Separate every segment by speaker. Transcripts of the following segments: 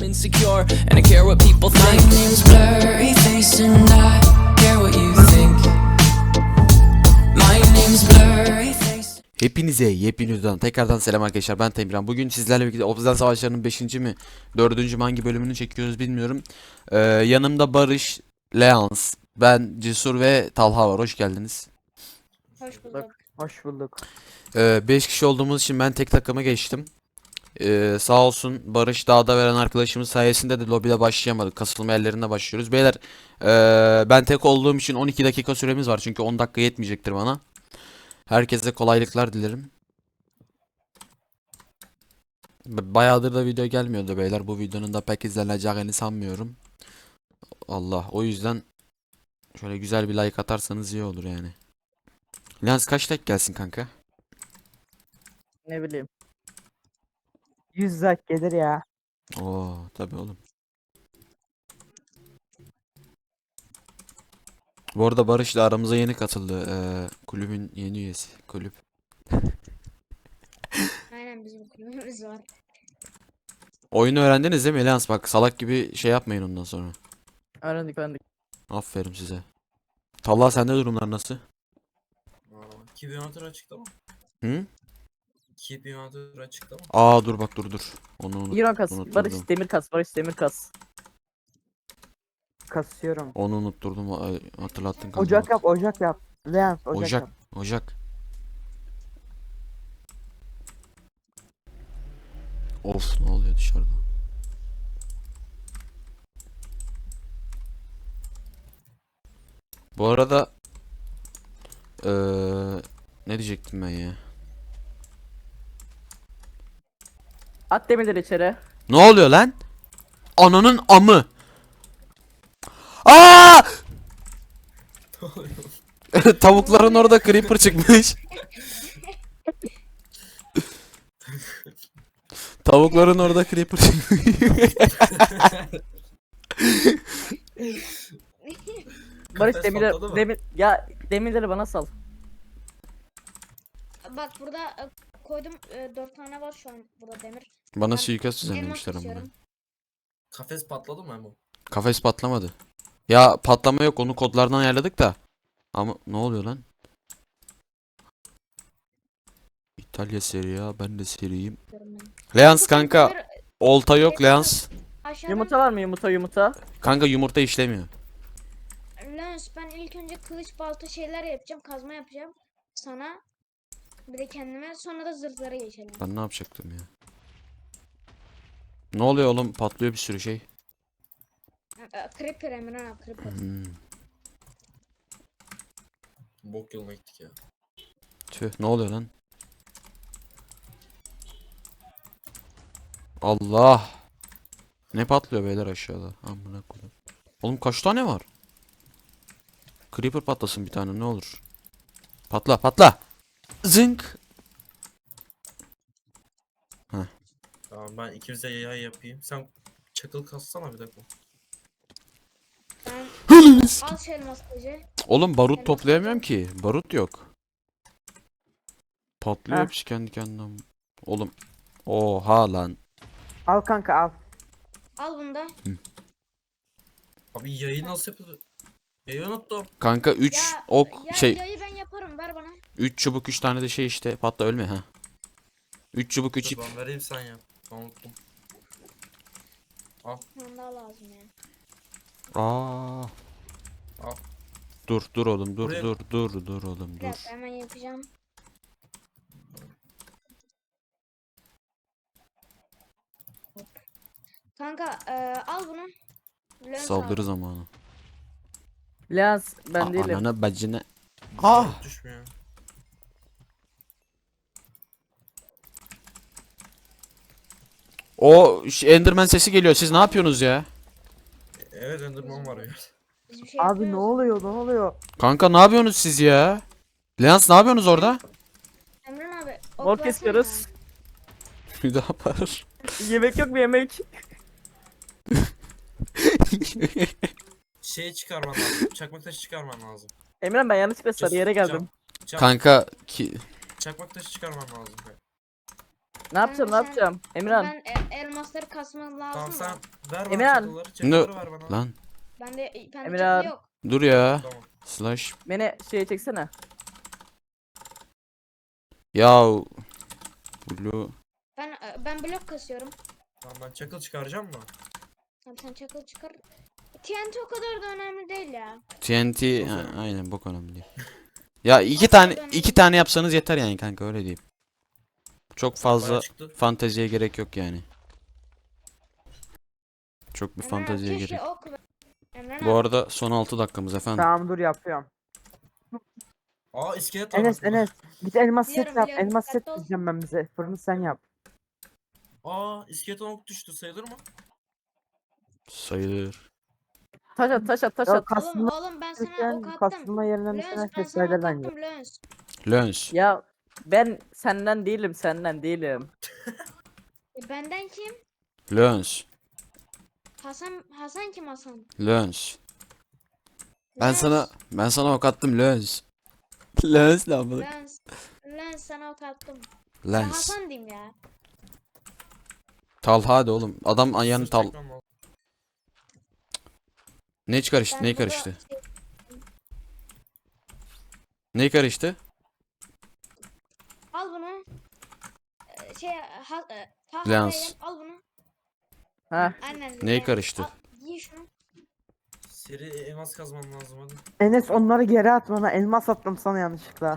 Speaker 1: I'm insecure and I care what people think. My name's Blurry Face and I care what you think. My name's Blurry Face.
Speaker 2: Hepinize yepyeni videodan tekrardan selam arkadaşlar, ben Temirhan. Bugün sizlerle birlikte Obsidian Savaşları'nın 5. mi 4. mü hangi bölümünü çekiyoruz bilmiyorum. Yanımda Barış, Leans, ben Cesur ve Talha var. Hoş geldiniz.
Speaker 3: Hoş bulduk.
Speaker 4: Hoş bulduk.
Speaker 2: 5 kişi olduğumuz için ben tek takıma geçtim. Sağ olsun Barış dağda veren arkadaşımız sayesinde de lobide başlayamadık. Kasılma yerlerinde başlıyoruz. Beyler ben tek olduğum için 12 dakika süremiz var. Çünkü 10 dakika yetmeyecektir bana. Herkese kolaylıklar dilerim. Bayağıdır da video gelmiyordu beyler. Bu videonun da pek izleneceğini sanmıyorum. Allah, o yüzden şöyle güzel bir like atarsanız iyi olur yani. Lens kaç like gelsin kanka?
Speaker 4: Ne bileyim. 100 like gelir ya.
Speaker 2: Oo tabii oğlum. Bu arada Barış da aramıza yeni katıldı. Kulübün yeni üyesi. Kulüp.
Speaker 3: Aynen bizim kulübümüz var.
Speaker 2: Oyunu öğrendiniz değil mi Lens? Bak salak gibi şey yapmayın ondan sonra.
Speaker 4: Öğrendik.
Speaker 2: Aferin size. Talha, sende durumlar nasıl?
Speaker 5: Keep Inventor açıkta mı?
Speaker 2: Hı?
Speaker 5: Keep Inventor açıkta mı?
Speaker 2: Aa dur bak, dur. Onu unut.
Speaker 4: Euro kas.
Speaker 2: unutturdum.
Speaker 4: Barış demir kas. Barış demir kas. Kasıyorum.
Speaker 2: Onu unutturdum. Hatırlattın kanka.
Speaker 4: Ocak
Speaker 2: bak.
Speaker 4: yap, ocak yap. Leon, ocak
Speaker 2: Ocak.
Speaker 4: yap.
Speaker 2: Ocak. Of, ne oluyor dışarıda? Bu arada ne diyecektim ben ya?
Speaker 4: At demirleri içeri.
Speaker 2: Ne oluyor lan? Ananın amı. Aa! Tavukların orada creeper çıkmış. Tavukların orada creeper çıkmış.
Speaker 4: Barış
Speaker 5: Kafes
Speaker 4: demirleri
Speaker 5: patladı mı?
Speaker 4: demirleri bana sal.
Speaker 3: Bak burada koydum 4 tane var şu an burada demir.
Speaker 2: Bana
Speaker 3: Ben
Speaker 2: suikast
Speaker 3: elmas
Speaker 2: düzenlemişler amına.
Speaker 3: istiyorum.
Speaker 5: Kafes patladı mı Emo?
Speaker 2: Kafes patlamadı. Ya patlama yok, onu kodlardan ayarladık da. Ama ne oluyor lan? İtalya seri ya, ben de seriyim.
Speaker 3: Diyorum ben.
Speaker 2: Leans kanka,
Speaker 3: Demir
Speaker 2: olta yok Leans.
Speaker 3: aşağıdan
Speaker 4: Yumurta var mı? Yumurta.
Speaker 2: Kanka yumurta işlemiyor.
Speaker 3: Lens, ben ilk önce kılıç balta şeyler yapacağım. Kazma yapacağım. Sana bir de kendime, sonra da zırhlara geçelim.
Speaker 2: Ben ne yapacaktım ya? Ne oluyor oğlum? Patlıyor bir sürü şey.
Speaker 3: Creeper Emran abi, Creeper.
Speaker 2: Hmm.
Speaker 5: Bok yoluna gittik ya.
Speaker 2: Tüh, ne oluyor lan? Allah! Ne patlıyor beyler aşağıda? Amına koyayım. Oğlum kaç tane var? Creeper patlasın bir tane ne olur. Patla. Zınk.
Speaker 5: Tamam, ben ikimize yay yapayım. Sen çakıl kassana bir dakika.
Speaker 3: Ben al şu elmas kılıcı.
Speaker 2: Oğlum barut
Speaker 3: Elmas
Speaker 2: toplayamıyorum ki. Barut yok. Patlıyor
Speaker 4: Heh.
Speaker 2: hepsi kendi kendine. Oğlum. Oha lan.
Speaker 4: Al kanka al.
Speaker 3: Al bunu da.
Speaker 5: Abi yayı nasıl yapılır? Yayı unuttum.
Speaker 2: Kanka 3
Speaker 3: Ya,
Speaker 2: ok
Speaker 3: ya,
Speaker 2: şey
Speaker 3: yayı ben yaparım, ver bana.
Speaker 2: 3 çubuk 3 tane de şey işte, patla ölme ha. 3 çubuk 3
Speaker 5: Dur,
Speaker 2: ip.
Speaker 5: ben vereyim, sen yap. Ben unuttum.
Speaker 3: Bana daha lazım ya.
Speaker 2: Aa.
Speaker 5: Al.
Speaker 2: Dur oğlum dur
Speaker 5: Buraya-
Speaker 2: dur oğlum
Speaker 3: Bir
Speaker 2: dur.
Speaker 3: dakika, hemen yapacağım. Hop. Kanka al bunu. Lens
Speaker 2: Saldırı
Speaker 3: al.
Speaker 2: zamanı.
Speaker 4: Leon ben değilim.
Speaker 2: Anana bacına. Ah!
Speaker 5: Düşmüyor.
Speaker 2: O Enderman sesi geliyor. Siz ne yapıyorsunuz ya?
Speaker 5: Evet, Enderman var ya.
Speaker 3: Biz bir şey
Speaker 4: Abi ne
Speaker 3: yapmıyoruz.
Speaker 4: oluyor?
Speaker 2: Kanka ne yapıyorsunuz siz ya? Leans ne yapıyorsunuz orada?
Speaker 3: Emran abi. ok
Speaker 4: Mor
Speaker 3: versene
Speaker 4: kesiyoruz.
Speaker 2: Bir daha yapar.
Speaker 4: Yemek yok mu yemek?
Speaker 5: Şey çıkarman lazım. Çakmak taşı çıkarman lazım.
Speaker 4: Emran ben yanlışlıkla sarı yere geldim.
Speaker 5: Çakmak
Speaker 2: Kanka ki
Speaker 5: çakmak taşı çıkarman lazım.
Speaker 4: Ne yapacağım ne
Speaker 3: sen-
Speaker 4: yapacağım? Emirhan.
Speaker 3: Ben elmasları kasmam lazım
Speaker 5: Tamam
Speaker 3: da.
Speaker 5: sen ver bana
Speaker 4: Emirhan.
Speaker 5: çakılları. Çakılları ver bana.
Speaker 2: Lan
Speaker 3: Bende
Speaker 4: Emirhan.
Speaker 3: çakıl yok.
Speaker 2: dur ya.
Speaker 5: Tamam.
Speaker 2: Slash.
Speaker 4: Beni şeye çeksene.
Speaker 2: Ya Blue.
Speaker 3: Ben blok kasıyorum.
Speaker 5: Tamam ben çakıl çıkaracağım mı?
Speaker 3: Tamam sen çakıl çıkar. TNT o kadar da önemli değil ya.
Speaker 2: TNT ha,
Speaker 5: Aferin.
Speaker 2: aynen bok önemli değil. Ya iki tane yapsanız yeter yani kanka öyle diyeyim. Çok fazla
Speaker 5: Bayağı çıktı.
Speaker 2: fanteziye gerek yok yani. Çok bir
Speaker 3: Emre
Speaker 2: fanteziye
Speaker 3: keşke
Speaker 2: gerek.
Speaker 3: ok ver. Emre
Speaker 2: Bu arada son 6 dakikamız efendim.
Speaker 4: Tamam dur yapıyorum.
Speaker 5: Aa iskelet var
Speaker 4: Enes
Speaker 5: bak burada.
Speaker 4: Enes. Git elmas
Speaker 3: Biliyorum,
Speaker 4: set yap.
Speaker 3: biliyorum.
Speaker 4: Elmas set
Speaker 3: Dikkatli ol.
Speaker 4: diyeceğim ben bize. Fırını sen yap.
Speaker 5: Aa iskelet ok düştü sayılır mı?
Speaker 2: Sayılır.
Speaker 4: Taş at taş at taş
Speaker 3: Oğlum
Speaker 4: at.
Speaker 3: oğlum ben sana ok attım.
Speaker 4: Kasılma yerine
Speaker 3: Lens
Speaker 4: mesela
Speaker 3: ben sana
Speaker 4: kestayder
Speaker 3: ok
Speaker 4: bence.
Speaker 3: attım Lens.
Speaker 2: Lens.
Speaker 4: Ya ben senden değilim senden değilim.
Speaker 3: Benden kim?
Speaker 2: Lens.
Speaker 3: Hasan kim Hasan?
Speaker 2: Lens.
Speaker 3: Lens.
Speaker 2: Ben sana ok attım Lens. Lens ne yapalım?
Speaker 3: Lens sana ok attım. Ben
Speaker 2: Lens.
Speaker 3: Hasan diyeyim ya.
Speaker 2: Talha de oğlum. Adam ayağını
Speaker 5: Sırf
Speaker 2: tal.
Speaker 5: çekmem lazım.
Speaker 2: Ne karıştı?
Speaker 3: Ben
Speaker 2: Ne
Speaker 3: burada
Speaker 2: karıştı? Ne karıştı?
Speaker 3: al bunu. Taha
Speaker 2: Lens.
Speaker 3: Bey'im, al bunu.
Speaker 4: Ha.
Speaker 3: Aynen.
Speaker 2: Neyi
Speaker 3: Lens.
Speaker 2: karıştı?
Speaker 3: Al, giy şunu.
Speaker 5: Seri elmas kazmam lazım hadi.
Speaker 4: Enes onları geri at bana. Elmas attım sana yanlışlıkla.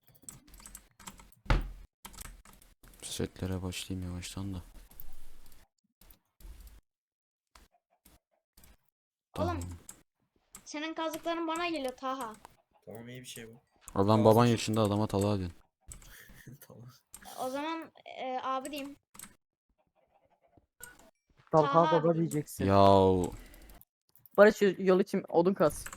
Speaker 2: Setlere başlayayım yavaştan da.
Speaker 3: Oğlum senin kazıkların bana geliyor Taha.
Speaker 5: Tamam iyi bir şey bu.
Speaker 2: Adam baban yaşında adama Talha diyorsun.
Speaker 5: Tamam.
Speaker 3: O zaman abi diyeyim.
Speaker 4: Talha
Speaker 3: Taha
Speaker 4: baba
Speaker 3: abi.
Speaker 4: diyeceksin.
Speaker 2: Yahu.
Speaker 4: Barış yol için odun kas.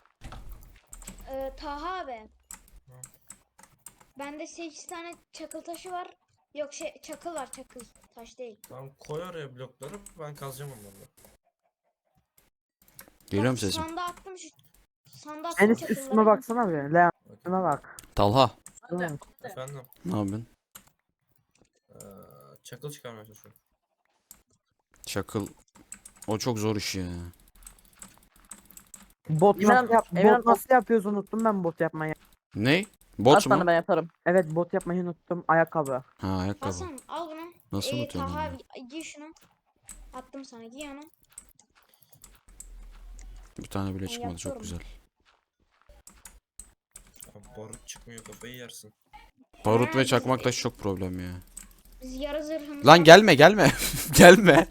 Speaker 3: Taha abi. Bende 8 tane çakıl taşı var. Yok çakıl var çakıl. Taş değil.
Speaker 5: Tamam koy oraya blokları ben kazacağım onları.
Speaker 2: Geliyor mu
Speaker 3: Bak,
Speaker 2: sesim?
Speaker 3: Sandığa attım şu. Sandığa attım
Speaker 4: Enes
Speaker 3: çakılları.
Speaker 4: üstüme baksana bir. Leon üstüme bak.
Speaker 2: Talha.
Speaker 4: Tamam.
Speaker 5: Efendim.
Speaker 2: Ne yapıyorsun?
Speaker 5: Çakıl çıkarmaya çalışıyorum.
Speaker 2: Çakıl. O çok zor iş ya.
Speaker 4: Bot
Speaker 3: Emirhan-
Speaker 4: nasıl, Emirhan- bot nasıl yapıyoruz unuttum ben bot yapmayı.
Speaker 2: Ne?
Speaker 4: At
Speaker 2: Bot
Speaker 4: bana
Speaker 2: mu?
Speaker 4: ben yaparım. Evet bot yapmayı unuttum. Ayakkabı.
Speaker 2: Ha ayakkabı.
Speaker 3: Hasan al bunu.
Speaker 2: Nasıl unutuyorsun
Speaker 3: Taha
Speaker 2: onu?
Speaker 3: abi giy şunu. Attım sana giy onu.
Speaker 2: Bir tane bile
Speaker 3: Ben
Speaker 2: çıkmadı çok
Speaker 3: yapıyorum.
Speaker 2: güzel.
Speaker 5: Abi barut çıkmıyor kafayı yersin.
Speaker 2: Barut ve
Speaker 3: biz-
Speaker 2: çakmak taşı çok problem ya.
Speaker 3: Biz yarı zırhımız
Speaker 2: Lan
Speaker 3: var.
Speaker 2: gelme gelme. Gelme.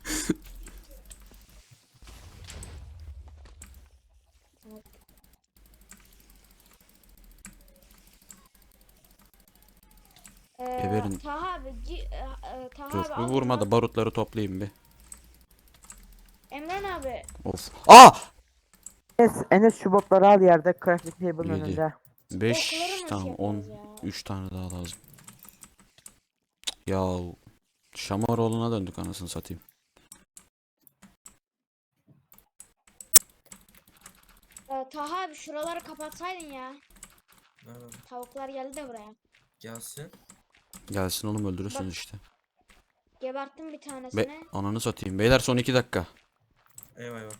Speaker 2: Geberin.
Speaker 3: Taha abi Taha
Speaker 2: Dur
Speaker 3: abi
Speaker 2: bir
Speaker 3: al
Speaker 2: vurma
Speaker 3: bunu.
Speaker 2: da barutları toplayayım bir.
Speaker 3: Emren abi.
Speaker 2: Of. Aa!
Speaker 4: Enes şu botları al yerde crafting table'ın
Speaker 2: Yedi.
Speaker 4: önünde.
Speaker 2: 5
Speaker 3: Okları nasıl
Speaker 2: tamam 10
Speaker 3: yaparız ya?
Speaker 2: 3 tane daha lazım. Ya Şamaroğlu'na döndük anasını satayım.
Speaker 3: Taha abi şuraları kapatsaydın ya.
Speaker 5: Nerede?
Speaker 3: Tavuklar geldi de buraya.
Speaker 5: Gelsin.
Speaker 2: Gelsin oğlum öldürürsünüz
Speaker 3: Bak.
Speaker 2: işte.
Speaker 3: Geberttim bir tanesini.
Speaker 2: Ananı satayım. Beyler son 2 dakika.
Speaker 5: Eyvah eyvah.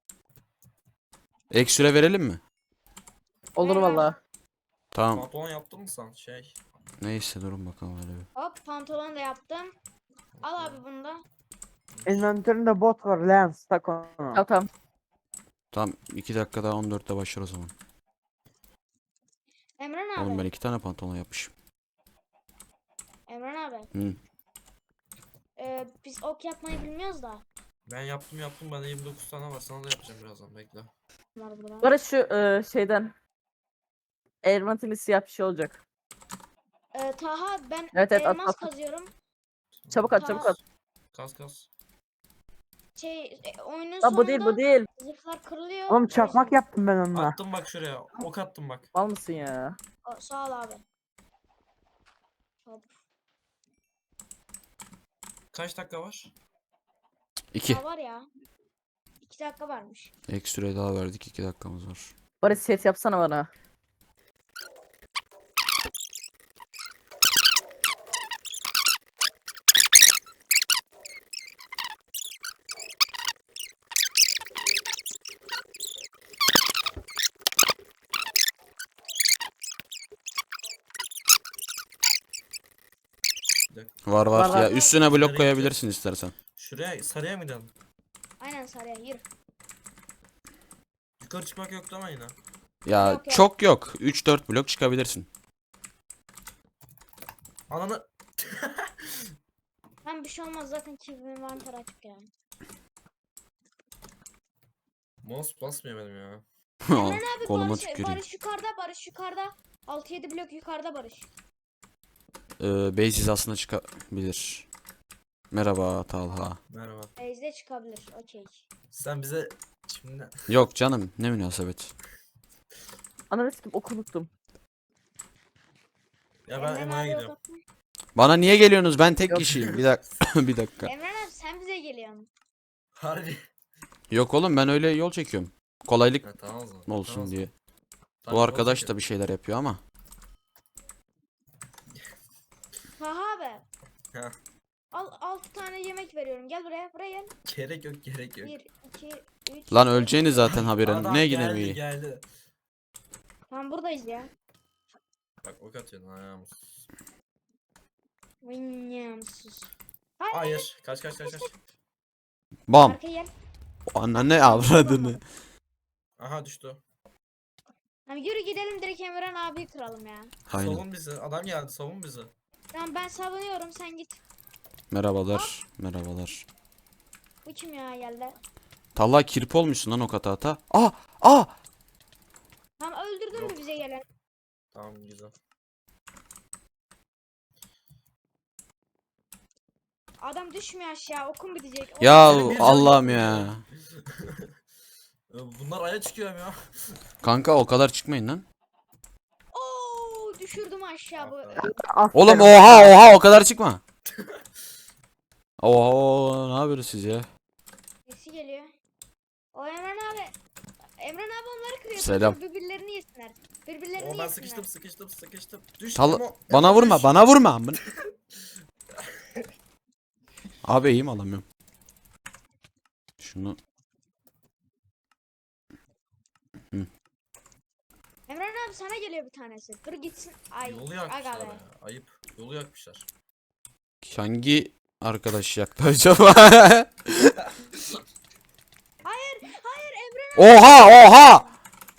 Speaker 2: Ek süre verelim mi?
Speaker 4: Olur
Speaker 3: Ver abi.
Speaker 4: valla.
Speaker 2: Tamam.
Speaker 5: Pantolon yaptın mı sen?
Speaker 2: Neyse durun bakalım öyle bir.
Speaker 3: Hop pantolon da yaptım. Al abi bunu da.
Speaker 4: Inventöründe bot var Lens tak onu. Tamam tamam.
Speaker 2: Tamam 2 dakika daha 14'te başlar o zaman.
Speaker 3: Emren abi.
Speaker 2: Oğlum ben 2 tane pantolon yapmışım.
Speaker 3: Emren abi.
Speaker 2: Hı.
Speaker 3: Biz ok yapmayı bilmiyoruz da.
Speaker 5: Ben yaptım bende 29 tane var sana da yapacağım birazdan bekle.
Speaker 3: Var burada.
Speaker 4: Barış şu şeyden. Elmatın siyah bir şey olacak.
Speaker 3: Taha ben
Speaker 4: Evet, at,
Speaker 3: elmas
Speaker 4: at.
Speaker 3: kazıyorum.
Speaker 4: Çabuk at çabuk at.
Speaker 5: Kas.
Speaker 3: Oyunun
Speaker 4: Lan bu değil
Speaker 3: sonunda
Speaker 4: bu değil.
Speaker 3: zırhlar kırılıyor.
Speaker 4: Oğlum
Speaker 3: O
Speaker 4: çakmak
Speaker 3: yüzden-
Speaker 4: yaptım ben onunla.
Speaker 5: Attım bak şuraya. Ok attım bak.
Speaker 4: Mal mısın ya?
Speaker 3: Sağ ol abi. Hop.
Speaker 5: Kaç dakika var?
Speaker 2: 2.
Speaker 3: Daha var ya. 2 dakika varmış.
Speaker 2: Ek süre daha verdik 2 dakikamız var.
Speaker 4: Barış set yapsana bana.
Speaker 5: blok?
Speaker 2: Var var.
Speaker 4: Var,
Speaker 2: Ya
Speaker 4: var.
Speaker 2: üstüne blok
Speaker 5: Nereye
Speaker 2: koyabilirsin istersen.
Speaker 5: Şuraya sarıya mı gidelim?
Speaker 3: Aynen sarıya yürü.
Speaker 5: Yukarı çıkmak yoktu ama yine.
Speaker 2: Ya
Speaker 3: Yok, yok.
Speaker 2: çok yok. 3-4 blok çıkabilirsin.
Speaker 5: Ananı.
Speaker 3: Hem bir şey olmaz zaten çivimin vantar açık yani.
Speaker 5: Mouse basmıyor benim ya.
Speaker 3: Emren abi
Speaker 2: Koluma
Speaker 3: Barış,
Speaker 2: tüküreyim.
Speaker 3: Barış yukarıda, Barış yukarıda. 6-7 blok yukarıda Barış.
Speaker 2: Base hizasına çıkabilir. Merhaba Talha.
Speaker 5: Merhaba.
Speaker 3: Base'de çıkabilir. Okey.
Speaker 5: Sen bize şimdi
Speaker 2: Yok canım, ne münasebet.
Speaker 4: Ananı sikim oku unuttum.
Speaker 5: ya ben
Speaker 3: Emren
Speaker 5: Emo'ya
Speaker 3: abi
Speaker 5: gidiyorum.
Speaker 3: yok mu?
Speaker 2: Bana niye geliyorsunuz? Ben tek
Speaker 4: Yok.
Speaker 2: kişiyim. Bir dakika. Bir dakika.
Speaker 3: Emren abi sen bize geliyorsun.
Speaker 5: Harbi.
Speaker 2: Yok oğlum, ben öyle yol çekiyorum. Kolaylık
Speaker 5: Ha, tamam o zaman.
Speaker 2: olsun
Speaker 5: Tamam o
Speaker 2: diye.
Speaker 5: zaman. Tabii,
Speaker 2: Bu arkadaş
Speaker 5: olacak
Speaker 2: da bir şeyler yapıyor ama.
Speaker 3: Taha abi.
Speaker 5: ya.
Speaker 3: Al 6 tane yemek veriyorum. Gel buraya. Buraya gel.
Speaker 5: Gerek yok gerek yok.
Speaker 3: 1, 2, 3.
Speaker 2: Lan öleceğiniz zaten haberin.
Speaker 5: Adam
Speaker 2: Ne
Speaker 5: geldi
Speaker 2: yine mi?
Speaker 5: geldi.
Speaker 3: Tamam buradayız ya.
Speaker 5: Bak ok atıyorsun ayağım.
Speaker 3: Vinyamsız.
Speaker 5: Hayır. Kaç.
Speaker 2: Bam.
Speaker 3: Arkaya gel.
Speaker 2: Anne avradını.
Speaker 5: Aha düştü.
Speaker 3: Tamam yürü gidelim direkt Emren abiyi kıralım ya.
Speaker 2: Aynen.
Speaker 5: Savun bizi. Adam geldi savun bizi.
Speaker 3: Tamam ben savunuyorum sen git.
Speaker 2: Merhabalar. Merhabalar.
Speaker 3: Bu kim ya geldi?
Speaker 2: Talha kirpi olmuşsun lan o katata. Ah! Ah!
Speaker 3: Tamam öldürdün mü
Speaker 5: Yok.
Speaker 3: bize gelen?
Speaker 5: Tamam güzel.
Speaker 3: Adam düşmüyor aşağı okum bitecek.
Speaker 2: Ya
Speaker 5: Benim bir
Speaker 2: Allah'ım
Speaker 5: canım
Speaker 2: ya.
Speaker 5: yok. Bunlar aya çıkıyor ya.
Speaker 2: Kanka o kadar çıkmayın lan.
Speaker 3: Oo düşürdüm aşağı bu.
Speaker 5: Aferin.
Speaker 2: Oğlum
Speaker 4: Aferin.
Speaker 2: oha o kadar çıkma. Oha ne yapıyorsunuz siz ya?
Speaker 3: Sesi geliyor. O Emren abi. Emren abi onları kırıyor.
Speaker 2: Selam.
Speaker 3: Birbirlerini yesinler. Birbirlerini
Speaker 5: O ben
Speaker 3: yesinler.
Speaker 5: sıkıştım. Düş.
Speaker 2: Tal
Speaker 5: Emo,
Speaker 2: bana
Speaker 5: Emo
Speaker 2: vurma,
Speaker 5: düş.
Speaker 2: bana vurma. Abi iyiyim alamıyorum. Şunu
Speaker 3: Emren abi sana geliyor bir tanesi. Dur gitsin. Ay.
Speaker 5: Yolu
Speaker 3: Aga
Speaker 5: yakmışlar
Speaker 3: be.
Speaker 5: ya. Ayıp. Yolu yakmışlar.
Speaker 2: hangi arkadaş yaktı acaba?
Speaker 3: Hayır Emren
Speaker 2: Oha oha!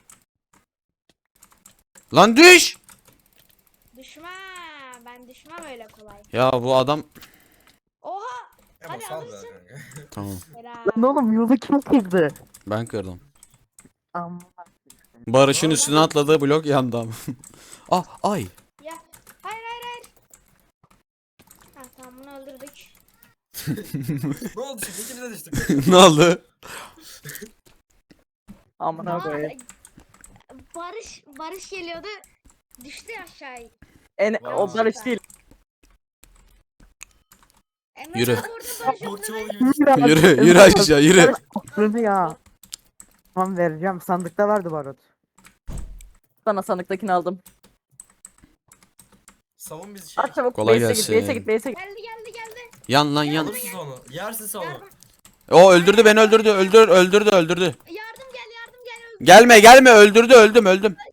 Speaker 2: Lan düş!
Speaker 3: düşme. Ben düşmem öyle kolay.
Speaker 2: Ya bu adam
Speaker 3: Oha.
Speaker 5: Emo
Speaker 3: Hadi
Speaker 5: sal be
Speaker 3: alırsın.
Speaker 5: kanka.
Speaker 2: tamam
Speaker 3: Helal.
Speaker 4: Lan oğlum yolu kim kırdı?
Speaker 2: ben kırdım.
Speaker 4: Amma.
Speaker 2: Barış'ın
Speaker 5: Aa,
Speaker 2: üstüne
Speaker 5: lan.
Speaker 2: atladığı blok yandı ama. Ah ay.
Speaker 3: Ya. Hayır. Ha tamam bunu öldürdük.
Speaker 5: Ne oldu şimdi? İkimiz de düştük.
Speaker 2: Ne oldu?
Speaker 4: Amına
Speaker 3: Aa,
Speaker 4: koyayım.
Speaker 3: Barış geliyordu. Düştü aşağıya.
Speaker 4: O Barış değil.
Speaker 3: Emre
Speaker 2: Yürü.
Speaker 3: abi orada Barış
Speaker 5: Bokçu
Speaker 3: yok.
Speaker 5: gibi.
Speaker 2: Yürü aşağı yürü.
Speaker 6: Aklını ya. Tamam vereceğim. Sandıkta vardı barut.
Speaker 4: Sana sandıktakini aldım.
Speaker 5: Savun bizi şey.
Speaker 4: At çabuk.
Speaker 2: Kolay
Speaker 4: Base'e git,
Speaker 2: gelsin.
Speaker 4: base'e git, base'e git.
Speaker 3: Geldi.
Speaker 2: Yan lan yan.
Speaker 5: Alırsın onu. Yersin onu.
Speaker 3: Yardım.
Speaker 2: O öldürdü beni öldürdü öldürdü.
Speaker 3: Yardım gel.
Speaker 2: Gelme öldürdüm.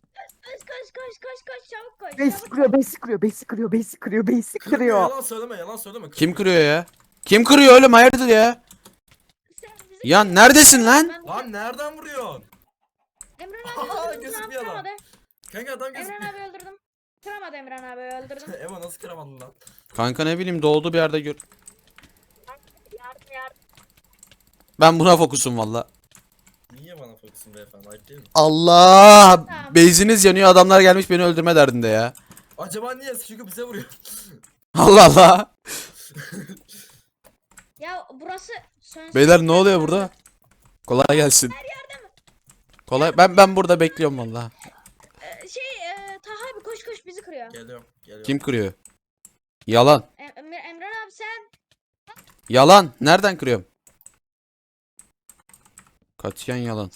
Speaker 3: Koş çabuk koş.
Speaker 6: Base
Speaker 3: Çabuk.
Speaker 6: kırıyor, base kırıyor, base kırıyor, base kırıyor, base kırıyor.
Speaker 5: Yalan söyleme.
Speaker 2: Kim kırıyor ya? Kim kırıyor oğlum hayırdır ya?
Speaker 3: Sen bizi-
Speaker 2: Yan neredesin lan?
Speaker 3: Ben-
Speaker 5: Lan nereden vuruyorsun?
Speaker 3: Emren
Speaker 5: Aa,
Speaker 3: abi öldürdüm.
Speaker 5: gözükmüyor
Speaker 3: Tamam,
Speaker 5: lan.
Speaker 3: kıramadı.
Speaker 5: Kanka adam
Speaker 3: Emren
Speaker 5: gözükmüyor.
Speaker 3: abi öldürdüm. Kıramadı Emren abi öldürdüm.
Speaker 5: Emo nasıl kıramadın lan?
Speaker 2: Kanka ne bileyim doğduğu bir yerde gör.
Speaker 3: Yardım.
Speaker 2: Ben buna fokusum valla.
Speaker 5: Niye bana fokusun beyefendi? Ayıp değil mi?
Speaker 2: Allah! Beyziniz yanıyor adamlar gelmiş beni öldürme derdinde ya.
Speaker 5: Acaba niye? Çünkü bize vuruyor.
Speaker 2: Allah.
Speaker 3: Ya burası sönsün.
Speaker 2: Beyler ne oluyor burada? Kolay gelsin. Kolay ben burada bekliyorum valla.
Speaker 3: Taha abi koş bizi kırıyor.
Speaker 5: Geliyorum.
Speaker 2: Kim kırıyor? Yalan.
Speaker 3: Emren abi sen.
Speaker 2: Yalan. Nereden kırıyorum? Katiyen yalan.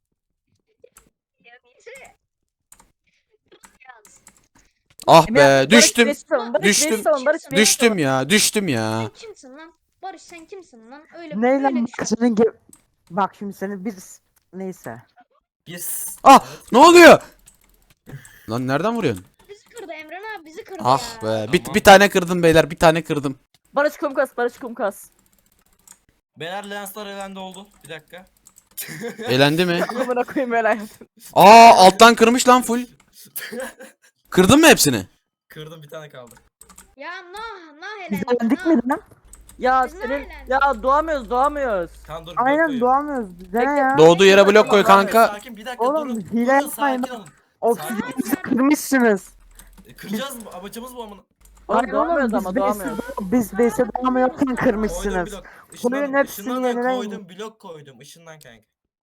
Speaker 2: Ah
Speaker 4: Emre
Speaker 2: be
Speaker 4: abi, Barış,
Speaker 2: düştüm.
Speaker 4: Barış savun, Barış,
Speaker 2: Düştüm.
Speaker 4: Barış savun, Barış, Barış
Speaker 2: Düştüm ya düştüm ya.
Speaker 3: Sen kimsin lan? Barış sen kimsin lan? Öyle
Speaker 6: Ne
Speaker 3: böyle
Speaker 6: lan
Speaker 3: düşün.
Speaker 6: senin bak şimdi seni bir neyse.
Speaker 5: Yes.
Speaker 2: Ah ne oluyor? Lan nereden vuruyorsun?
Speaker 3: Bizi kırdı Emren Ya bizi kırdı
Speaker 2: Ah
Speaker 3: ya.
Speaker 2: be. Bir tane kırdım beyler. Bir tane kırdım.
Speaker 4: Barış kumkas, Barış kumkas.
Speaker 5: Beyler Lensler elendi oldu. Bir dakika.
Speaker 2: Elendi mi?
Speaker 4: Amına koyayım öyle.
Speaker 2: Aa alttan kırmış lan full. Kırdın mı hepsini?
Speaker 5: Kırdım, bir tane kaldı.
Speaker 3: Ya nah
Speaker 6: Biz
Speaker 3: elendi.
Speaker 6: öldük mü lan?
Speaker 4: Ya
Speaker 3: Biz ne
Speaker 4: senin
Speaker 3: eğlendik?
Speaker 4: ya doğamıyoruz.
Speaker 5: Kan dur.
Speaker 6: Aynen
Speaker 5: blok
Speaker 6: doğamıyoruz. Bize ne
Speaker 4: Bekle.
Speaker 6: ya?
Speaker 2: Doğduğu yere blok koy
Speaker 5: Tamam,
Speaker 2: kanka.
Speaker 5: sakin, bir dakika
Speaker 6: Oğlum,
Speaker 5: durun.
Speaker 6: hile
Speaker 5: Durun,
Speaker 6: yapmayın
Speaker 5: sakin
Speaker 6: bak.
Speaker 5: olun.
Speaker 6: Oksijenimizi kırmışsınız.
Speaker 5: Kıracağız mı? Amacımız bu amına.
Speaker 4: Oğlum
Speaker 6: Hayır
Speaker 4: doğamıyoruz
Speaker 6: oğlum
Speaker 4: ama
Speaker 6: biz
Speaker 4: doğamıyoruz.
Speaker 6: biz base'e doğamıyorken
Speaker 5: Koydum
Speaker 6: kırmışsınız.
Speaker 5: blok.
Speaker 6: Koyun
Speaker 5: Işınlan,
Speaker 6: hepsini
Speaker 5: ışınlan da
Speaker 6: yeniden-
Speaker 5: koydum, blok koydum. Işından kanka.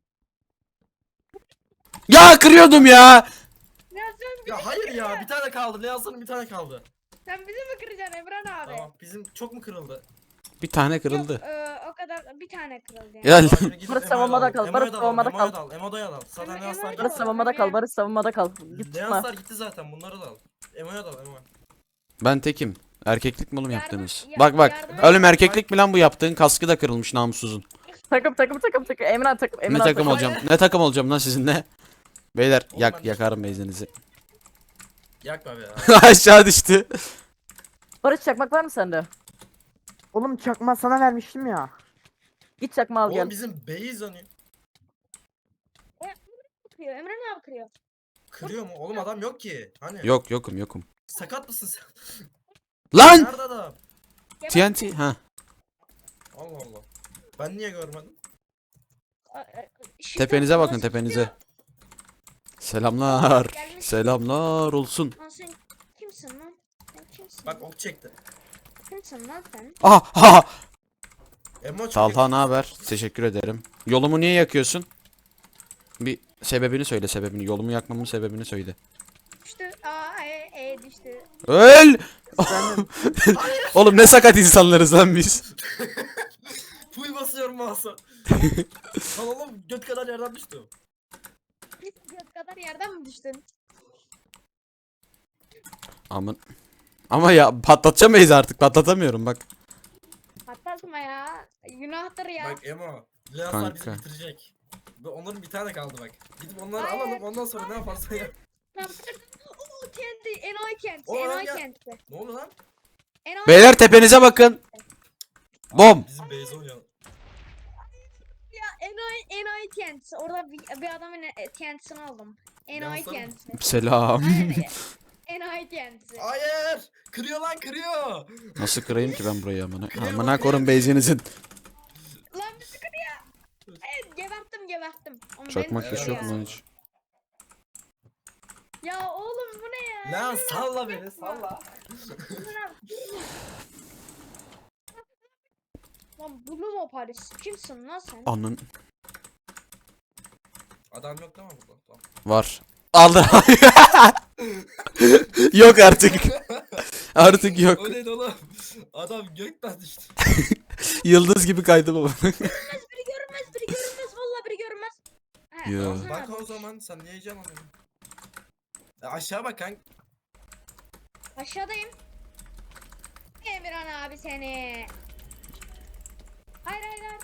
Speaker 2: Ya kırıyordum ya.
Speaker 3: Ya sen,
Speaker 5: Ya hayır ya, bir tane kaldı. Lensler'ın bir tane kaldı.
Speaker 3: sen bizi mi kıracaksın Emran abi?
Speaker 5: Tamam, bizim çok mu kırıldı?
Speaker 2: Bir tane
Speaker 3: Yok,
Speaker 2: kırıldı.
Speaker 3: o kadar bir tane kırıldı yani.
Speaker 2: Ya
Speaker 4: Barış savunmada kal, Barış savunmada kal.
Speaker 5: Emo'ya dal. Zaten
Speaker 3: Emo'ya
Speaker 5: Lensler
Speaker 3: dal.
Speaker 4: Barış
Speaker 5: gitti.
Speaker 4: savunmada kal, Barış savunmada kal. Git tutma.
Speaker 5: Lensler gitti zaten, bunları da al. Emo'ya dal, Emo.
Speaker 2: Ben tekim. Erkeklik mi oğlum
Speaker 3: Yardım-
Speaker 2: yaptığınız?
Speaker 3: ya-
Speaker 2: Bak bak.
Speaker 3: yardım-
Speaker 2: Oğlum erkeklik mi lan bu yaptığın? Kaskı da kırılmış namussuzun.
Speaker 4: Takım. Emran takım.
Speaker 2: Ne
Speaker 4: Emran
Speaker 2: takım
Speaker 4: takım.
Speaker 2: olacağım? Ne takım olacağım lan sizinle? Beyler
Speaker 5: Oğlum ben-
Speaker 2: yakarım beyzinizi.
Speaker 5: Yakma be ya.
Speaker 2: Aşağı düştü.
Speaker 4: Barış çakmak var mı sende?
Speaker 6: Oğlum çakma sana vermiştim ya.
Speaker 4: Git çakma al
Speaker 5: Oğlum
Speaker 4: gel.
Speaker 5: bizim base yanıyor.
Speaker 3: Kırıyor. Emran abi kırıyor.
Speaker 5: Kırıyor mu? Oğlum adam yok ki. Hani?
Speaker 2: Yok yokum.
Speaker 5: Sakat mısın sen?
Speaker 2: Lan!
Speaker 5: Nerede adam?
Speaker 2: TNT ha.
Speaker 5: Allah Allah. Ben niye görmedim?
Speaker 2: Tepenize bakın tepenize. Selamlar. Selamlar olsun.
Speaker 3: Lan sen kimsin lan? Sen kimsin?
Speaker 5: Bak ok çekti.
Speaker 3: Kimsin lan sen?
Speaker 2: Aha!
Speaker 5: Emo çok
Speaker 2: Talha ne haber? Teşekkür ederim. Yolumu niye yakıyorsun? Bir sebebini söyle sebebini. Yolumu yakmamın sebebini söyle.
Speaker 3: Düştü. Düştü.
Speaker 2: Öl! Oğlum ne sakat insanlarız lan biz.
Speaker 5: Full basıyorum mouse'a. Lan oğlum göt kadar yerden düştüm.
Speaker 3: Göt kadar yerden mi düştün?
Speaker 2: Aman. Ama ya patlatacamayız artık. Patlatamıyorum bak.
Speaker 3: Patlatma ya. Günahtır ya.
Speaker 5: Bak Emo. Lensler bizi
Speaker 2: Kanka.
Speaker 5: bitirecek. Ve onların bir tane kaldı bak. Gidip onları
Speaker 3: Hayır.
Speaker 5: alalım, ondan sonra ne yaparsan yap.
Speaker 3: Lan o kendi enayi kenti.
Speaker 5: O
Speaker 3: Enayi
Speaker 5: ya.
Speaker 3: kenti.
Speaker 5: Ne oldu lan?
Speaker 3: Enayi
Speaker 2: Beyler tepenize bakın. Bom.
Speaker 5: Bizim base oynuyor.
Speaker 3: ya enayi kenti. Orada bir adamın kentisini aldım. Enayi
Speaker 5: Yansın.
Speaker 3: kenti.
Speaker 2: Selam.
Speaker 3: Aynen. Enayi kenti.
Speaker 5: Hayır! Kırıyor lan, kırıyor!
Speaker 2: Nasıl kırayım ki ben burayı amına? Amına korun beyzinizin.
Speaker 3: Lan bizi kırıyor. Evet geberttim. Ama
Speaker 2: Çakmak
Speaker 3: beni
Speaker 2: hiç
Speaker 3: kırıyor
Speaker 2: yok
Speaker 3: ya.
Speaker 2: mu lan hiç?
Speaker 3: Ya oğlum bu ne ya?
Speaker 5: Lan salla beni, salla.
Speaker 3: Lan Blue mu Paris? Kimsin lan sen?
Speaker 2: Anın
Speaker 5: Adam yok değil mi burada? Tamam.
Speaker 2: var. Aldı. Yok artık. Artık yok.
Speaker 5: O neydi oğlum? Adam gökten düştü.
Speaker 2: Yıldız gibi kaydı baba.
Speaker 3: Biri görünmez. Vallahi biri görünmez. He,
Speaker 2: Ya.
Speaker 3: Ozan
Speaker 5: Bak
Speaker 3: abi.
Speaker 5: o zaman sen niye heyecan alıyorsun? Aşağı bak kanka.
Speaker 3: Aşağıdayım. Emirhan abi seni. Hayır.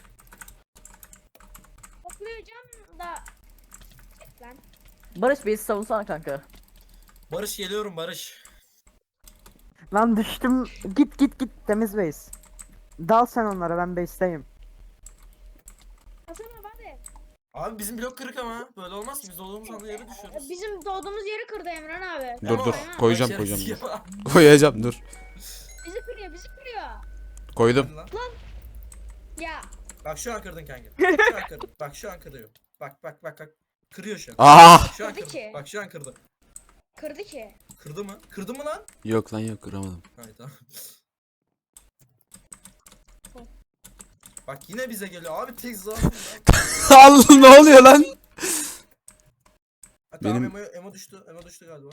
Speaker 3: Toplayacağım da. Lan.
Speaker 4: Barış beni savunsana kanka.
Speaker 5: Barış geliyorum Barış.
Speaker 6: Lan düştüm. Git temiz base. Dal sen onlara, ben base'teyim.
Speaker 3: Hasan abi hadi.
Speaker 5: Abi bizim blok kırık ama böyle olmaz ki biz olduğumuz anda yere düşüyoruz.
Speaker 3: Bizim doğduğumuz yeri kırdı Emran abi.
Speaker 2: Dur dur
Speaker 3: Tamam.
Speaker 2: koyacağım.
Speaker 5: Şerefsiz ya.
Speaker 2: Koyacağım dur.
Speaker 3: Bizi kırıyor.
Speaker 2: Koydum.
Speaker 5: Lan.
Speaker 3: Ya.
Speaker 5: Bak şu an kırdın kanka. Şu an kırdın. Bak şu an kırıyor. Bak. Kırıyor şu an.
Speaker 2: Ah!
Speaker 5: Şu an
Speaker 3: Kırdı
Speaker 5: kırdı.
Speaker 3: ki.
Speaker 5: Bak şu an kırdı.
Speaker 3: Kırdı ki.
Speaker 5: Kırdı mı? Kırdı mı lan?
Speaker 2: Yok lan yok kıramadım.
Speaker 5: Hayır tamam. Bak yine bize geliyor abi tek zaten.
Speaker 2: Allah ne oluyor lan?
Speaker 5: Tamam
Speaker 2: Benim-
Speaker 5: Emo düştü. Emo düştü galiba.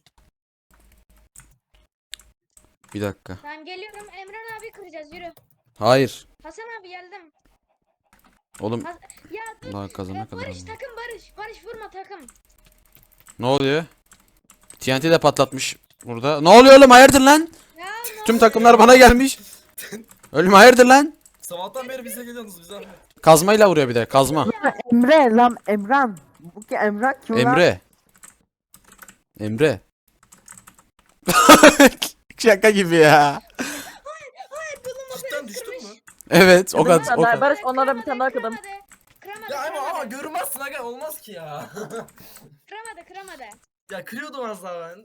Speaker 2: Bir dakika.
Speaker 3: Tamam geliyorum. Emran abi kıracağız yürü.
Speaker 2: Hayır.
Speaker 3: Hasan abi geldim.
Speaker 2: Oğlum
Speaker 3: Ya dur.
Speaker 2: daha kazana kadar.
Speaker 3: Barış
Speaker 2: ama.
Speaker 3: takım Barış. Barış vurma takım.
Speaker 2: Ne oluyor? TNT de patlatmış burada. Ne oluyor oğlum hayırdır lan?
Speaker 3: Ya ne
Speaker 2: Tüm takımlar bana gelmiş. Ölüm hayırdır lan?
Speaker 5: Sabahtan beri bize geliyorsunuz bize.
Speaker 2: Kazmayla vuruyor bir de kazma.
Speaker 6: Emre lan Emran. Bu ki Emran kim lan?
Speaker 2: Emre. Emre. Şaka gibi ya.
Speaker 3: Hayır bulunma
Speaker 5: Cidden
Speaker 3: beni
Speaker 5: düştün
Speaker 3: kırmış.
Speaker 5: mü?
Speaker 2: Evet o
Speaker 4: Kırdım
Speaker 2: kadar.
Speaker 4: bir
Speaker 2: O
Speaker 4: tane daha.
Speaker 2: kadar.
Speaker 4: Barış onlara bir tane daha kırdım.
Speaker 3: Kıramadı.
Speaker 5: Ya ama
Speaker 3: Kıramadı.
Speaker 5: görmezsin aga olmaz ki ya.
Speaker 3: Kıramadı.
Speaker 5: Ya kırıyordum az daha ben de.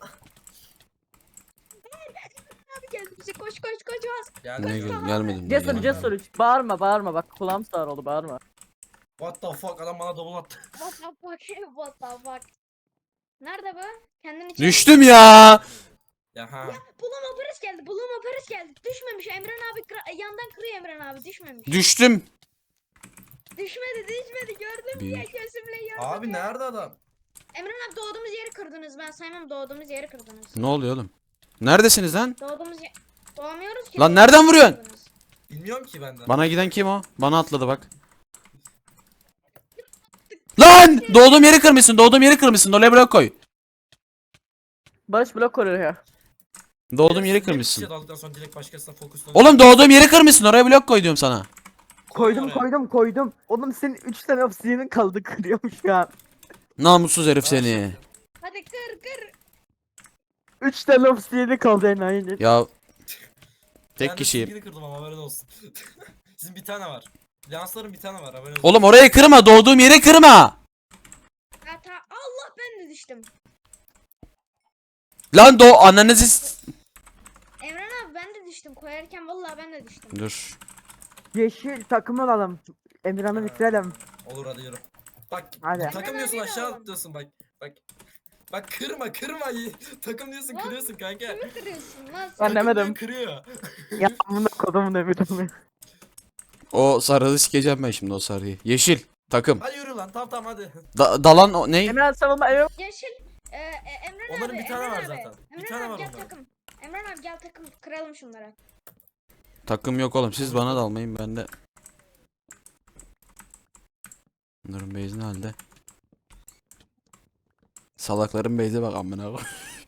Speaker 3: Abi geldi bize koş bas.
Speaker 5: Geldi.
Speaker 2: Ne
Speaker 5: geldi.
Speaker 2: gelmedim.
Speaker 4: Cesur
Speaker 2: gelmedim.
Speaker 4: cesur. Bağırma bak kulağım sağır oldu bağırma.
Speaker 5: What the fuck adam bana double attı.
Speaker 3: What the fuck. Nerede bu? Kendini çek.
Speaker 2: Düştüm ya.
Speaker 5: Ya ha.
Speaker 3: Bulunma Paris geldi. Düşmemiş. Emran abi yandan kırıyor Emran abi. Düşmemiş.
Speaker 2: Düştüm.
Speaker 3: Düşmedi. Gördüm
Speaker 2: Bir-
Speaker 3: ya gözümle gördüm.
Speaker 5: Abi nerede adam?
Speaker 3: Emran abi doğduğumuz yeri kırdınız. Ben saymam doğduğumuz yeri kırdınız.
Speaker 2: Ne oluyor oğlum? Neredesiniz lan?
Speaker 3: Doğamıyoruz ki.
Speaker 2: Lan nereden vuruyorsun?
Speaker 3: Kırdınız.
Speaker 5: Bilmiyorum ki benden.
Speaker 2: Bana giden kim o? Bana atladı bak. Lan! Doğduğum yeri kırmışsın. Oraya blok koy.
Speaker 4: Barış blok koruyor ya.
Speaker 2: Doğduğum yeri
Speaker 5: Bir
Speaker 2: kırmışsın.
Speaker 5: şey daldıktan sonra direkt başkasına fokuslanıyor.
Speaker 2: Oğlum doğduğum yeri kırmışsın. Oraya blok koy diyorum sana.
Speaker 6: Koydum. Oğlum senin 3 tane obsidian'ın kaldı kırıyormuş ya.
Speaker 2: Namussuz herif seni.
Speaker 3: Hadi kır.
Speaker 6: 3 tane obsidian'ı kaldı enayi.
Speaker 2: Ya
Speaker 5: Ben
Speaker 2: tek
Speaker 5: de
Speaker 2: kişiyim.
Speaker 5: sizinkini kırdım ama haberin olsun. Sizin bir tane var. Lansların bir tane var haberin olsun.
Speaker 2: Oğlum orayı kırma. Doğduğum yeri kırma.
Speaker 3: Allah ben de düştüm.
Speaker 2: Lan ananızı
Speaker 3: Emran abi ben de düştüm. Koyarken vallahi ben de düştüm.
Speaker 2: Dur.
Speaker 6: Yeşil takım alalım. Emirhan'ı bitirelim.
Speaker 5: Olur hadi yürü. Bak
Speaker 6: Hadi.
Speaker 5: takım diyorsun
Speaker 3: Hemen
Speaker 5: aşağı
Speaker 3: oğlum.
Speaker 5: atlıyorsun bak. Bak kırma. Takım diyorsun
Speaker 3: Lan.
Speaker 5: kırıyorsun kanka.
Speaker 3: Kimi kırıyorsun lan sen?
Speaker 4: Ben demedim.
Speaker 5: Kırıyor.
Speaker 6: Ya amına kodumun Emirhan'ı.
Speaker 2: O sarıyı sikeceğim ben şimdi o sarıyı. Yeşil takım.
Speaker 5: Hadi yürü lan tamam hadi.
Speaker 2: Dalan o ne?
Speaker 4: Emre savunma Emre.
Speaker 3: Yeşil. Emran
Speaker 5: Onların
Speaker 3: abi.
Speaker 5: bir tane
Speaker 3: Emran
Speaker 5: var
Speaker 3: abi.
Speaker 5: zaten. Bir
Speaker 3: Emran
Speaker 5: tane
Speaker 3: abi
Speaker 5: var
Speaker 3: gel
Speaker 5: onların.
Speaker 3: takım. Emran abi gel takım. Kıralım şunları.
Speaker 2: Takım yok oğlum. Siz bana dalmayın ben de. Bunların base'i ne halde? Salakların base'e bak amına koy.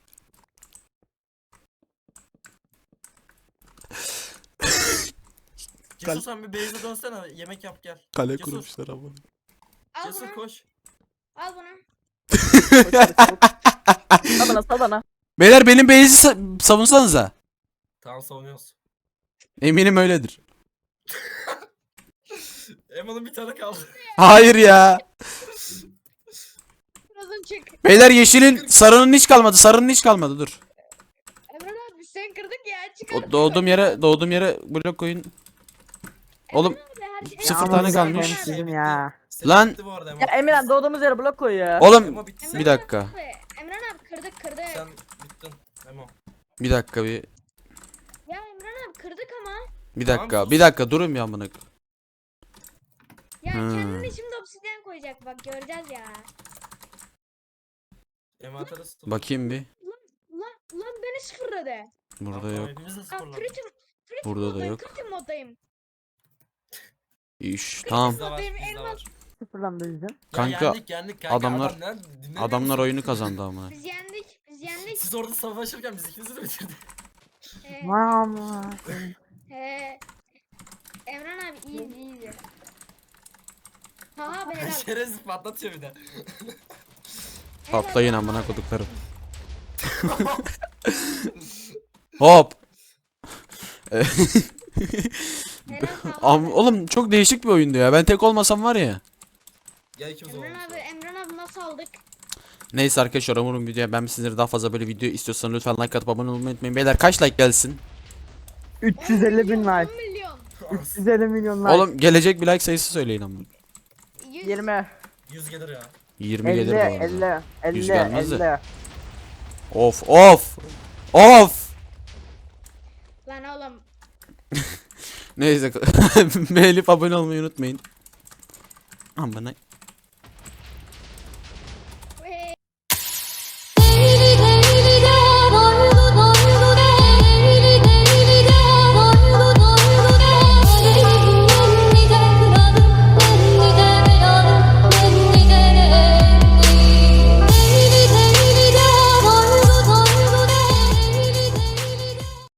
Speaker 5: Cesur sen bir base'e dönsene yemek yap gel.
Speaker 2: Kale
Speaker 5: Cesur.
Speaker 2: kurmuşlar ama.
Speaker 3: Al
Speaker 5: Cesur
Speaker 3: bunu.
Speaker 5: koş.
Speaker 3: Al bunu.
Speaker 4: Sal bana.
Speaker 2: Beyler benim base'i savunsanıza.
Speaker 5: Tamam savunuyoruz.
Speaker 2: Eminim öyledir.
Speaker 5: Eman'ın bir tane kaldı.
Speaker 2: Hayır ya.
Speaker 3: Birazdan çık.
Speaker 2: Beyler yeşilin sarının hiç kalmadı dur.
Speaker 3: Emran abi sen kırdık ya. Çık.
Speaker 2: Doğduğum yere blok koyun. Oğlum, sıfır
Speaker 6: Ya
Speaker 2: tane
Speaker 6: amına
Speaker 2: kalmış.
Speaker 6: koyayım sizin ya.
Speaker 5: Senin
Speaker 2: Lan.
Speaker 5: bitti bu arada Emo.
Speaker 4: Ya Emirhan doğduğumuz yere blok koy ya.
Speaker 2: Oğlum
Speaker 5: Emo bitti.
Speaker 2: bir dakika.
Speaker 3: Emran abi kırdık.
Speaker 5: Sen bittin Emo.
Speaker 2: Bir dakika bir.
Speaker 3: Ya Emran abi kırdık ama.
Speaker 2: Bir
Speaker 5: Tamam,
Speaker 2: dakika.
Speaker 5: sus.
Speaker 2: Bir dakika durun bir amına.
Speaker 3: Ya
Speaker 2: Hmm.
Speaker 3: kendini şimdi obsidyen koyacak bak göreceğiz ya.
Speaker 5: Emo atarız.
Speaker 2: Bakayım bir.
Speaker 3: Lan beni sıfırladı.
Speaker 2: Burada yok.
Speaker 5: Hepimiz de
Speaker 3: Aa,
Speaker 5: sıfırlandık.
Speaker 3: kritim
Speaker 2: Burada da
Speaker 3: moddayım,
Speaker 2: yok.
Speaker 3: kritim moddayım.
Speaker 2: İş. Tamam.
Speaker 5: Bizde var,
Speaker 3: Benim
Speaker 5: bizde
Speaker 3: elmas-
Speaker 5: var.
Speaker 6: Sıfırlandı bizden.
Speaker 5: Ya
Speaker 2: Kanka,
Speaker 5: yendik kanka.
Speaker 2: adamlar-
Speaker 5: Dinlemiyor
Speaker 2: Adamlar
Speaker 5: musun?
Speaker 2: oyunu kazandı ama.
Speaker 3: Biz yendik.
Speaker 5: Siz orada savaşırken biz ikinizi de bitirdik.
Speaker 6: Mama.
Speaker 3: Emran abi iyiydi. Haha be helal.
Speaker 5: Şerefsiz patlatıyor bir de.
Speaker 2: Patlayın amına koduklarım. Hop. Oğlum çok değişik bir oyundu ya. Ben tek olmasam var ya.
Speaker 5: Gel ikimiz olalım.
Speaker 3: Emran abi nasıl aldık?
Speaker 2: Neyse arkadaşlar umarım videoya ben sizlere daha fazla böyle video istiyorsanız lütfen like atıp abone olmayı unutmayın. Beyler kaç like gelsin?
Speaker 6: 350 bin like.
Speaker 3: 10 milyon.
Speaker 6: 350 milyon like.
Speaker 2: Oğlum gelecek bir like sayısı söyleyin ama.
Speaker 3: 100.
Speaker 4: 20.
Speaker 5: 100 gelir ya.
Speaker 2: 20
Speaker 6: 50
Speaker 2: gelir bu arada.
Speaker 6: 50
Speaker 2: 100
Speaker 6: 50
Speaker 2: gelmez de.
Speaker 6: 50.
Speaker 2: Of.
Speaker 3: Lan oğlum.
Speaker 2: Neyse beğenip abone olmayı unutmayın. Amına